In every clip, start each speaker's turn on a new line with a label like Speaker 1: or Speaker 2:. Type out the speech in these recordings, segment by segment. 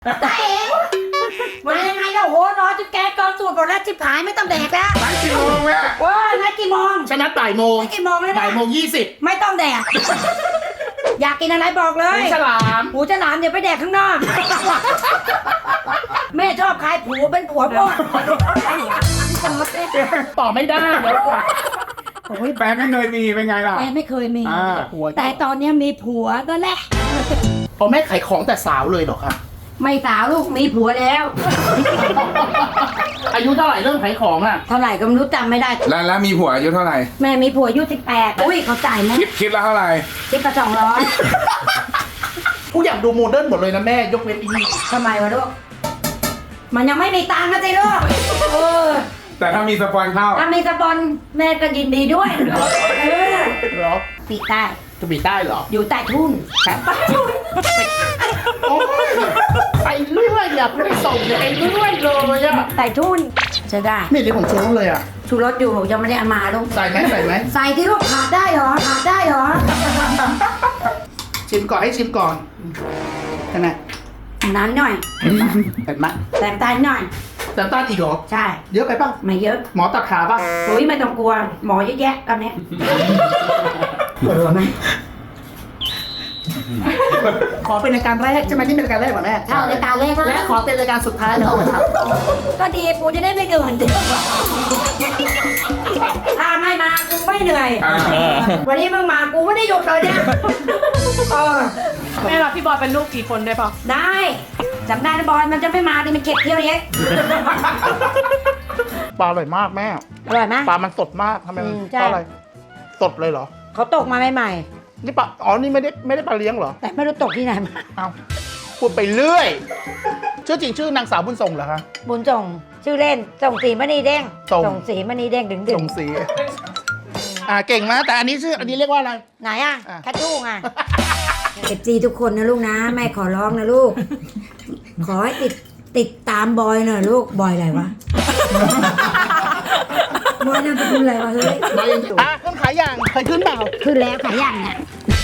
Speaker 1: ตายเองมายังไงแล้วโหนอนจนแกกองสูตรหมดแล้วจิบหายไม่ต้องแดกแล้ว
Speaker 2: นัดกี่โมงแม่
Speaker 1: ว้านัดกี่โมง
Speaker 2: ฉันนัดบ่ายโมง
Speaker 1: นัดกี่โมงแล้วนะ
Speaker 2: บ่ายโมง20
Speaker 1: ไม่ต้องแดกอยากกินอะไรบอกเลย
Speaker 2: ฉลาม
Speaker 1: หูฉลามเดี๋ยวไปแดกข้างนอกแม่ชอบใครผัวเป็นผัวพ่อ
Speaker 2: ต่อไม่ได้เดี๋ยว
Speaker 1: โอ้ย
Speaker 3: แฟนไม่เคยมีเป็นไงล่ะ
Speaker 1: แม่ไม่เคยมี
Speaker 2: หัว
Speaker 1: แต่ตอนนี้มีผัวก็แหละ
Speaker 2: พอแม่ขายของแต่สาวเลยเหรอคะ
Speaker 1: ไม่สาวลูกมีผัวแล้ว
Speaker 2: อายุเท่าไหร่เริ่มขายของอ่ะ
Speaker 1: เท่าไหร่ก็ไม่รู้จำไม่ได้
Speaker 3: แล้วมีผัวอายุเท่าไหร่
Speaker 1: แม่มีผัวอายุ18อุ้ยเขาจ่ายไหม
Speaker 3: คิดแล้วเท่าไหร่
Speaker 1: คิดละ
Speaker 2: กูอยากดูโมเดิร์นหมดเลยนะแม่ยกเว้นอีนี่
Speaker 1: 200ทำไมวะลูกมันยังไม่มีตังค์นะสิลูกเออ
Speaker 3: แต่ถ้ามีสปอนเข้า
Speaker 1: ถ้ามีสปอนแม่ก็ยินดีด้วยเออ
Speaker 2: เหรอ
Speaker 1: ปีใต้
Speaker 2: จะบีได้เหรอ
Speaker 1: อยู่ใต้ทุ่น
Speaker 2: โอ้ยไปเรื่อยอยากไปส่งไปเรื่อยเลยอ่ะ
Speaker 1: ใต้ทุ่นจะได้
Speaker 2: ไม่เรียกผมชูรสเลยอ่ะ
Speaker 1: ชูรสอยู่ยังไม่ได้เอามาลูก
Speaker 2: ใส่ไหมใส่ไหม
Speaker 1: ใส่ที่ลูกขาดได้เหรอขาดได้เหรอ
Speaker 2: ชิมก่อนให้ชิมก่อนใช่ไหม
Speaker 1: นั้นหน่อย
Speaker 2: เห็นไหม
Speaker 1: แต่งตาลหน่อย
Speaker 2: น้ำตาลอีกเหรอ
Speaker 1: ใช่
Speaker 2: เยอะไปป่ะ
Speaker 1: ไม่เยอะ
Speaker 2: หมอตัดขาป่ะ
Speaker 1: โอ้ยไม่ต้องกลัวหมอเยอะแยะตอนนี้ปวดหัวไหม
Speaker 2: ขอเป็นรายการแรกใช่ไหมที่เป็นรายการแรกเหรอแม่
Speaker 1: เข้ารายการแรก
Speaker 2: และขอเป็นรายการสุดท้ายแล้วครับ
Speaker 1: ก็ดีปูจะได้ไม่เหนื่อยถ้าไม่มากูไม่เหนื่อย วันนี้มึงมากูไม่ได้หยุดเลยเนี่ยเออ
Speaker 4: แม่รับพี่บอยเป็นลูกกี่คนได้ปะ
Speaker 1: ได้จำได้นะบอยมันจะไม่มาดิมันเก็บเที่ยวเยอะ
Speaker 2: ปลาอร่อยมากแม่
Speaker 1: อร่อยไหม
Speaker 2: ปลามันสดมากทำไม
Speaker 1: ใช่
Speaker 2: เพราะอะไรสดเลยเหรอ
Speaker 1: เขาตกมาใหม่
Speaker 2: นี่ปลาอ๋อนี่ไม่ได้ปลาเลี้ยงเหรอ
Speaker 1: ๆแต่ไม่รู้ตกที่ไหนมา
Speaker 2: เอาพูดไปเรื่อยชื่อจริงชื่อนางสาวบุญส่งเหรอคะ
Speaker 1: บุญส่งชื่อเล่นส่งสีมณีเด้ง
Speaker 2: ส่ง
Speaker 1: ส่งสีมณีเด้งดึง
Speaker 2: ส่งสีเก่งนะแต่อันนี้ชื่ออันนี้เรียกว่าอะไร
Speaker 1: ไหนอ่ะ
Speaker 2: อ่ะ
Speaker 1: แคททู่ไงเอฟซีทุกคนนะลูกนะแม่ขอร้องนะลูก ขอให้ติดตามบอยหน่อยลูกบอยอะไรวะ บอยนั่นเป็นอะไรวะเฮ้ย
Speaker 2: ขึ้นขายอย่างเคยขึ้นเปล่า
Speaker 1: ขึ้นแล้วขายอย่างเนี่ย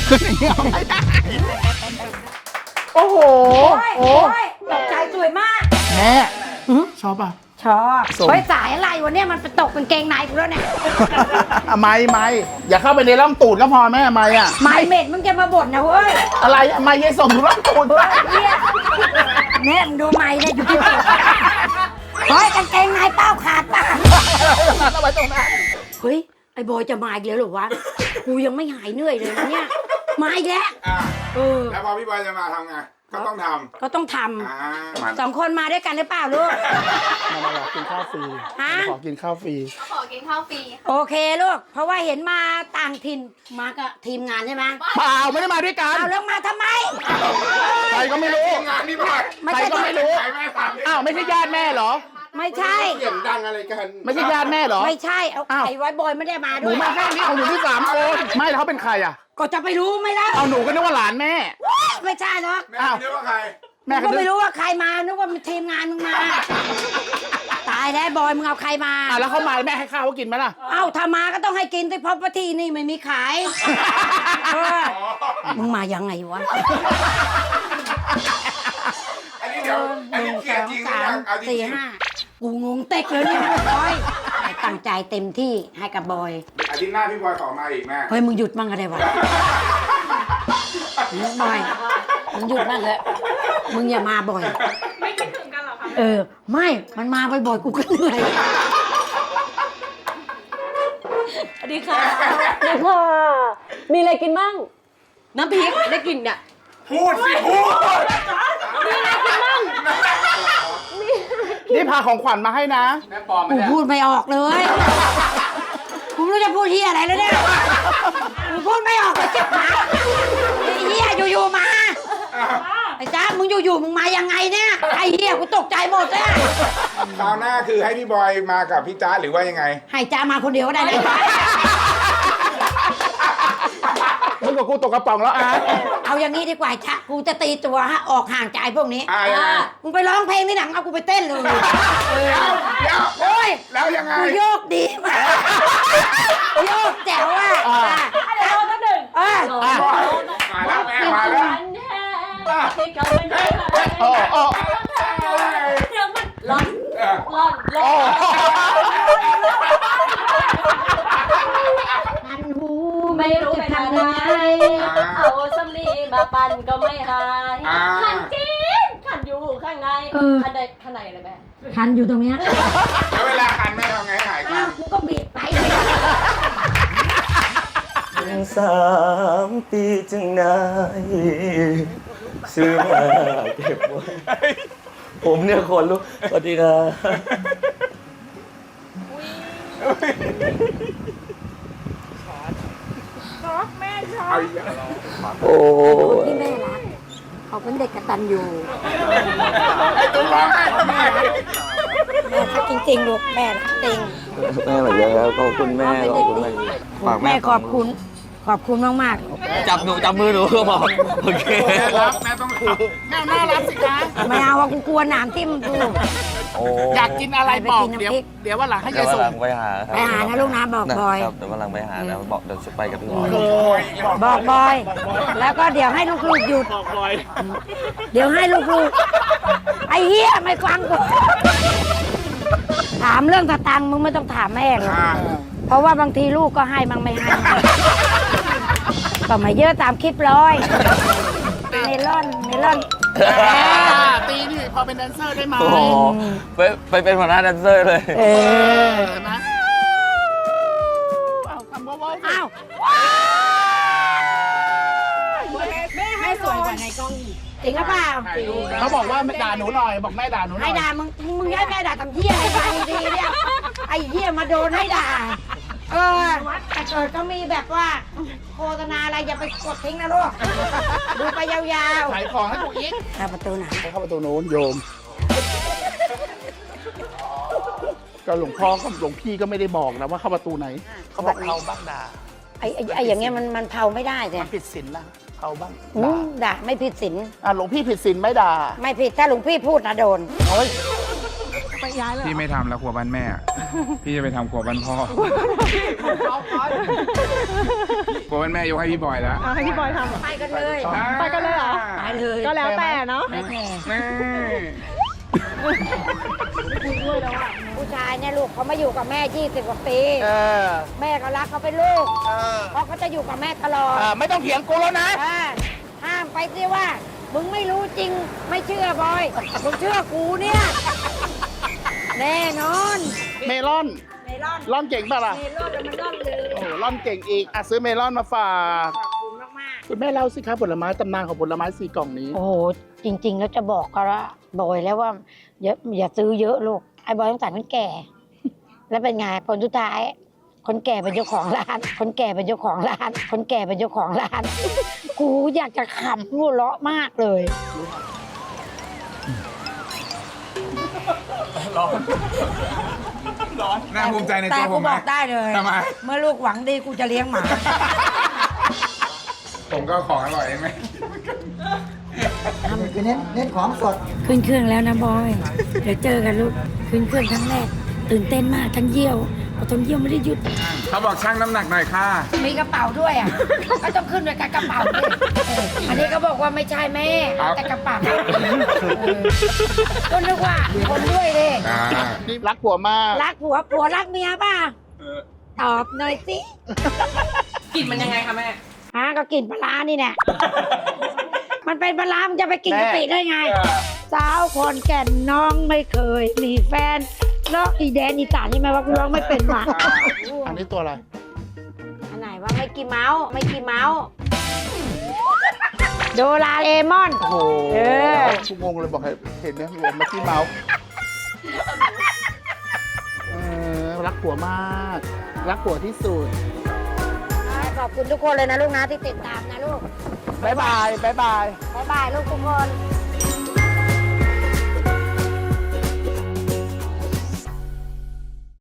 Speaker 2: โอ้โห
Speaker 1: โอ้ยตกใจสวยมาก
Speaker 2: แม่ชอบป่ะ
Speaker 1: ชอบ
Speaker 2: ส่ง
Speaker 1: เฮ้ยสายอะไรวะเนี่ยมันไปตกเป็นเกงในกูแล้วเนี่ย
Speaker 2: ไม่อย่าเข้าไปในร่องตูดก็พอแม่ไม่อะ
Speaker 1: ไม่เม็ดมึงจะมาบ่นนะเว้ย
Speaker 2: อะไรไม่ยังส่งร่องตูด
Speaker 1: เฮ้ยเนี่ยเนี่ยมึงดูไม่เนี่ยอยู่ที่ตัวเฮ้ยกางเกงในเป้าขาดป่ะ
Speaker 2: เอาไว้ตรงนั้น
Speaker 1: เฮ้ยไอ้บอยจะมาอีกแล้วเหรอวะกูยังไม่หายเหนื่อยเลยนะเนี่ยมาอีกแล้ว
Speaker 3: อ่า
Speaker 1: เออ
Speaker 3: แล้วพอพี่บอยจะมาทำไง ก็ต้องท
Speaker 1: ก็ต้องท
Speaker 3: ำมัน
Speaker 1: ำสองคนมาด้วยกันหรือเปล่าลูก
Speaker 2: มาขอกินข้าวฟรี
Speaker 1: ฮะ
Speaker 2: ขอกินข้าวฟรี
Speaker 4: ขอกินข้าวฟรี
Speaker 1: โอเคลูก เพราะว่าเห็นมาต่างถิ่นมากับทีมงานใช่ไหม
Speaker 2: เปล่าไม่ได้มาด้วยกัน
Speaker 1: เอาแล้วมาทำไม
Speaker 2: ใครก็ไม่รู้
Speaker 3: งานนี่บอย
Speaker 1: ไม่
Speaker 2: ใคร
Speaker 1: ใช่
Speaker 2: ก็ไม่รู้
Speaker 3: ใครแม่ถาม
Speaker 2: อ้าวไม่ใช่ญาติแม่เหรอ
Speaker 1: ไม่ใช่
Speaker 3: เสียงดังอะไรกัน
Speaker 2: ไม่ใช่ญาติแม่เหรอ
Speaker 1: ไม่ใช่เอา
Speaker 2: อ้าว
Speaker 1: ไอ้ไว้บอยไม่ได้มา
Speaker 2: ห
Speaker 1: ด้
Speaker 2: นู
Speaker 1: วย
Speaker 2: มาแค่นี้ของหนูที่3 คนไม่แล้วเขาเป็นใครอ่ะ
Speaker 1: ก็จะไปรู้ไหมล่ะ
Speaker 2: เอาหนูก็นึกว่าหลานแม่
Speaker 1: ไม่ใช่หรอก
Speaker 3: แม่คิดว่าใคร
Speaker 2: แม่
Speaker 1: ก็
Speaker 2: ก็นึ
Speaker 1: ไม่
Speaker 2: ก
Speaker 1: รู้ว่าใครมานึกว่ามันทีมงานมึงมา ตายแล้วบอยมึงเอาใครมา
Speaker 2: แล้วเขามาแม่ให้ข้าวเขากินไหมล่ะ
Speaker 1: เอ้าถ้ามาก็ต้องให้กินแต่เพราะว่าที่นี่ไม่มีขายเออมึงมายังไงวะ
Speaker 3: อันนี้เดี๋ยว อันนี้เขียนจริงหรือยังเอาจริ
Speaker 1: สี่
Speaker 3: ง
Speaker 1: ห้ากูงงเต็กเลยเนี่ยบอยตั้งใจเต็มที่ให้กับบอย
Speaker 3: ๆอาทิตย์หน้าพี่บอยขอมาอีกแม่
Speaker 1: เฮ้ยมึงหยุดมั่งอะไรวะบอยมึงหยุดมั่งเถอะมึงอย่ามาบ่อย
Speaker 4: ไม่คิดถึงกันเหรอคะ
Speaker 1: เออ ไม่มันมาบ่อยๆกูก็เหนื่อย
Speaker 4: สวัสดีค่ะมีอะไรกินบ้างน้ำพริกได้กินเนี่ย
Speaker 3: พูดสิพูด
Speaker 2: นี่พาของขวัญมาให้นะ
Speaker 3: แม่ปอม
Speaker 1: กูพูดไม่ออกเลยกูไม่รู้จะพูดเฮียอะไรแล้วเนี่ยกูพูดไม่ออกเลยจิ๊บหายไอ้เฮียอยู่ๆมาไอ้จ้ามึงอยู่ๆมึงมายังไงเนี่ยไอ้เฮียกูตกใจหมดเลย
Speaker 3: คราวหน้าคือให้พี่บอยมากับพี่จ๊ะหรือว่ายังไง
Speaker 1: ให้จ้ามาคนเดียวก็ได้นะ
Speaker 2: มึงกับกูตกกระป๋องแล้วอ่ะ
Speaker 1: เอาอย่างนี้ดีกว่าจ้ากูจะตีตัวฮะออกห่างจากพวกนี้
Speaker 3: ยังไง
Speaker 1: มึงไปร้องเพลงที่หนังเอากูไปเต้นเลย
Speaker 3: เดี๋ยว
Speaker 1: โอ้ย
Speaker 3: แล้วยังไง
Speaker 1: กูโยกดีมากโยกแจ๋วอ่ะ
Speaker 4: เดี๋ยวเราก็หนึ่ง
Speaker 1: เออ
Speaker 3: มาแล้วแม่มาแล้ว
Speaker 4: ฉันแท้ที่เขาไม่ได้
Speaker 2: โอ้โอ้
Speaker 4: เรื่องมันร้อน
Speaker 2: โอ้
Speaker 1: ทันหู
Speaker 4: ไม่รู้ไปทางไหนเอาสำลีมาปั่นก็ไม่หายขันจริงขันอยู่ข้างในอันใดข้างในเลยแม่
Speaker 1: ทันอยู่ตรงเนี้ย
Speaker 3: แล้วเวลาคันแม่ทำไงหายคั
Speaker 1: อ้าวน กูก็บีบไป
Speaker 5: 3 ปีจึงได้ซื้อมาเก็บไว้ผมเนี่ยคนลุกสวัสดีครับ
Speaker 3: เอาอีกแล้ว
Speaker 5: โอ้
Speaker 1: ที่แม่รักเขาเป็นเด็กกตัญญู
Speaker 3: ไอ้ตัวร้องไห้ของแม่
Speaker 1: แม่รักจริงๆลูกแม่รักจริง
Speaker 5: แม่เหมือนกันครับขอบคุณแม่ขอบคุณแม่ฝาก
Speaker 1: แม่ขอบคุณมาก
Speaker 5: จับมือหนูก็บอกโอเค
Speaker 3: แม่รักแม่ต้องขับแม่น่ารักสิคะ
Speaker 1: ๆไม่เอาว่ากูกลัวหนามทิ่มกู
Speaker 5: โอ้
Speaker 2: อยากกินอะไรบอก
Speaker 1: ไปกินน้ำพริก
Speaker 2: เดี๋ยววันหลังให้
Speaker 5: เดี๋
Speaker 2: ยาย
Speaker 5: ยววัน
Speaker 2: ส่
Speaker 5: หลั
Speaker 2: ง
Speaker 5: งไปหาครับ
Speaker 1: ไปหานะลูกนะบอกบอย
Speaker 5: ครับเดี๋ยววันหลังไปหานะบอกเดี๋ยวจะไปกับพี่บอย
Speaker 1: บอกบอย แล้วก็เดี๋ยวให้ลูกๆหยุด
Speaker 2: บอกบอย
Speaker 1: เดี๋ยวให้ลูกๆไอ้เหี้ยไม่ฟังกูถามเรื่องสตังค์มึงไม่ต้องถามแม่หรอกเพราะว่าบางทีลูกก็ให้มั่งไม่ให้ก็มาเยอะตามคลิปร้อยเมลอน
Speaker 2: ตีนี่พอเป็นแดนเซอร์ได้ไหม
Speaker 5: โอ้โหไปเป็นหัวหน้าแดนเซอร์เลย
Speaker 1: เออ
Speaker 2: เห็นไหมเอาคำว่าว้าว
Speaker 1: อ้าว
Speaker 4: แม่สวยกว่าในกล้อง
Speaker 1: จริงหรือเปล่า
Speaker 2: เขาบอกว่าด่าหนูหน่อย บอกแม่ด่าหนูหน่
Speaker 1: ให้
Speaker 2: อย
Speaker 1: ด่ามึงให้แม่ด่าทำเหี้ยอะไรบางทีเนี่ยไอ้เหี้ยมาโดนให้ด่าแต่เกิดก็มีแบบว่าโฆษณาอะไรอย่าไปกดทิ้งนะลูกดูไปยาว
Speaker 2: ขายของให้กูอีก
Speaker 1: ๆประตูไหน
Speaker 2: เข้าประตูโน้นโยม ก็หลวงพ่อกับหลวงพี่ก็ไม่ได้บอกนะว่าเข้าประตูไหน เขาบอกเขาบ้างด่า
Speaker 1: ไอ้อย่างเงี้ยมันเผาไม่ได้เลย
Speaker 2: มันผิดศีลนะเขาบ้าง
Speaker 1: ด่าไม่ผิดศีล
Speaker 2: หลวงพี่ผิดศีลไม่ด่า
Speaker 1: ไม่ผิดถ้าหลวงพี่พูดนะโดน
Speaker 2: โอ้ย
Speaker 3: พี่ไม่ทำแล้วครัวบ้านแม่อะพี่จะไปทำครัวบ้านพ่อครัวบ้านแม่ยกให้พี่บอยแล้ว
Speaker 4: ให้พี่บอยทำ
Speaker 1: ไปกันเลย
Speaker 4: ไปกันเลยเหรอ
Speaker 1: ไปเลย
Speaker 4: ก็แล้วแต่เนาะ
Speaker 1: ไม่แน่
Speaker 3: แม่
Speaker 1: ผู้ชายเนี่ยลูกเขามาอยู่กับแม่20 กว่าปี
Speaker 2: เออ
Speaker 1: แม่ก็รักเขาเป็นลูก
Speaker 2: เออ
Speaker 1: เพราะเขาจะอยู่กับแม่ตลอด
Speaker 2: ไม่ต้องเถียงกูแล้วนะ
Speaker 1: ห้ามไปสิว่า มึงไม่รู้จริงไม่เชื่อบอยมึงเชื่อกูเนี่ยแน่นอน
Speaker 2: เมลอน
Speaker 1: เมลอน
Speaker 2: ร่อนเก่งป่ะล่ะ
Speaker 1: เมลอนมันร่อนเลย
Speaker 2: โอ้โหร่อนเก่งอีกซื้อเมลอนมาฝาก
Speaker 1: ขอบคุณมาก
Speaker 2: คุณแม่เล่าสิครับผลไม้ตำนานของผลไม้4 กล่องนี้
Speaker 1: ๆโอ้โหจริง ๆ แล้วจะบอกก็ว่าบอยแล้วว่าอย่าซื้อเยอะลูกไอ้บอยต้องจ่ายคนแก่ แล้วเป็นไงผลสุดท้าย คนแก่เป็นเจ้าของร้าน คนแก่เป็นเจ้าของร้าน คนแก่เป็นเจ้าของร้าน กูอยากจะขำหัวเราะมากเลย
Speaker 3: น่าภูมิใจใน
Speaker 1: แต่
Speaker 3: ตัวผ
Speaker 1: กู
Speaker 3: มไหม
Speaker 1: บอกได้เลย
Speaker 3: ทำไม
Speaker 1: เมื่อลูกหวังดีกูจะเลี้ยงหมา
Speaker 3: ผมก็ของอร่อยเองไหม
Speaker 6: เน้นของสด
Speaker 1: ขึ้นเครื่องแล้วนะบอย เดี๋ยวเจอกันลูก ขึ้นเครื่องครั้งแรก ตื่นเต้นมากทั้งเยี่ยวพอทนเยี่ยวไม่ได้หยุด
Speaker 3: เขาบอกชั่งน้ำหนักหน่อยค่ะ
Speaker 1: มีกระเป๋าด้วยอ่ะ ก็ต้องขึ้นด้วยกับกระเป๋าด้วยอันนี้ก็บอกว่าไม่ใช่แม่ แต่กระเป๋าก็นึกว่าคนด้วยเลย
Speaker 2: นี่รักผัวมาก
Speaker 1: รักผัวรักเมียป่ะตอบหน่อยสิ
Speaker 4: กลิ่นมันยังไงคะแม่
Speaker 1: ก็กินปลาร้านี่แน่มันเป็นปลาร้ามันจะไปกินกะปิได้ไง สาวคนแก่นน้องไม่เคย มีแฟนร้องอีแดนอีสานนี่ไหมว่ากูร้องไม่เป็นมา
Speaker 2: อันนี้ตัวอะไร
Speaker 1: อันไหนว่าไม่กี่เมาส์โดราเอมอน
Speaker 2: โอ้โห
Speaker 1: เออ
Speaker 2: กูงงเลยบอกให้เห็นไหมรวมมาที่เมาส์รักผัวมาก รักผัวที่สุด
Speaker 1: ขอบคุณทุกคนเลยนะลูกนะที่ติดตามนะลูก
Speaker 2: บ๊ายบาย บ๊ายบาย
Speaker 1: บ๊ายบายลูกทุกคน